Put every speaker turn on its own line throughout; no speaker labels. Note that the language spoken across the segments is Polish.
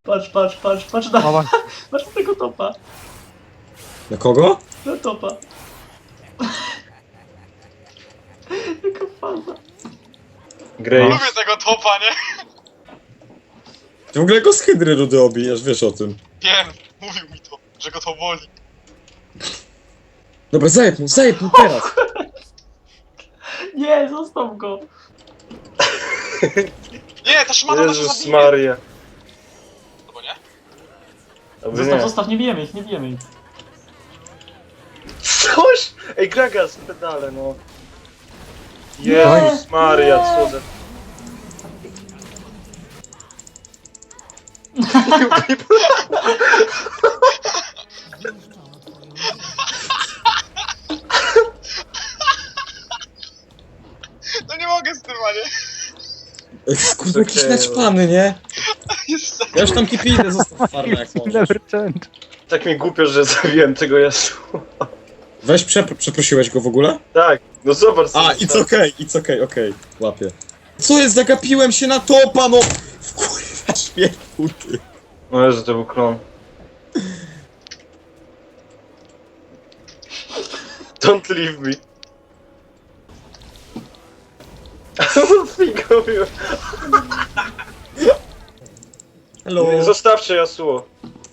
Patrz
Mama.
patrz na tego topa.
Na kogo?
Na topa. Jaka faza.
Grey.
No.
Lubię tego topa, nie?
Ty w ogóle go z hydry rudy obijasz, wiesz o tym.
Wiem, mówił mi to, że go to boli.
Dobra, zajeb mu teraz!
Nie, zostaw go.
Nie, ta szmata nas
Jezus
zabije.
Maria.
Albo nie?
Albo
Zostaw,
nie.
zostaw, nie bijemy ich, nie bijemy ich.
Coś! Ej, Gragas, pedale, no.
Nie!
Jezus Maria, co za...
No nie mogę z tym, a nie?
Kurde, jakiś
Okej,
naćpany, nie?
Jest
Ja już tam kipi idę, zostaw farmę jak możesz.
Never change.
Tak mi głupio, że zabiłem tego Yasuo.
Weź, przeprosiłeś go w ogóle?
Tak, no zobacz
A,
sobie,
it's okay, okej, łapię. Co jest, zagapiłem się na topa, no! W kurwa śmiechu, ty.
No Jezu, to był klon. Don't leave me. Figowiu.
Hello.
Zostawcie Yasuo.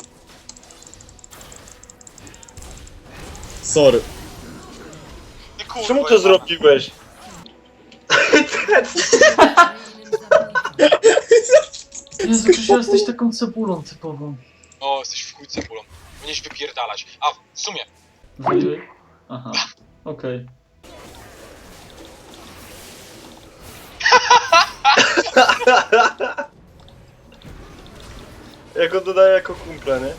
Sorry.
Nie, kurwa,
Czemu to zrobiłeś?
Jezu, przecież jesteś taką cebulą typową.
O, jesteś w chuj cebulą. Powinieneś wypierdalać. A, w sumie.
Wyjdzie? Aha, okej.
Ja go dodaję jako kumpla, nie?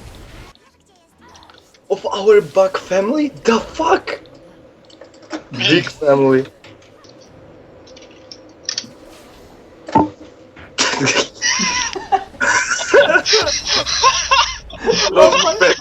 Of our bug family? The fuck? Big family. Love me back.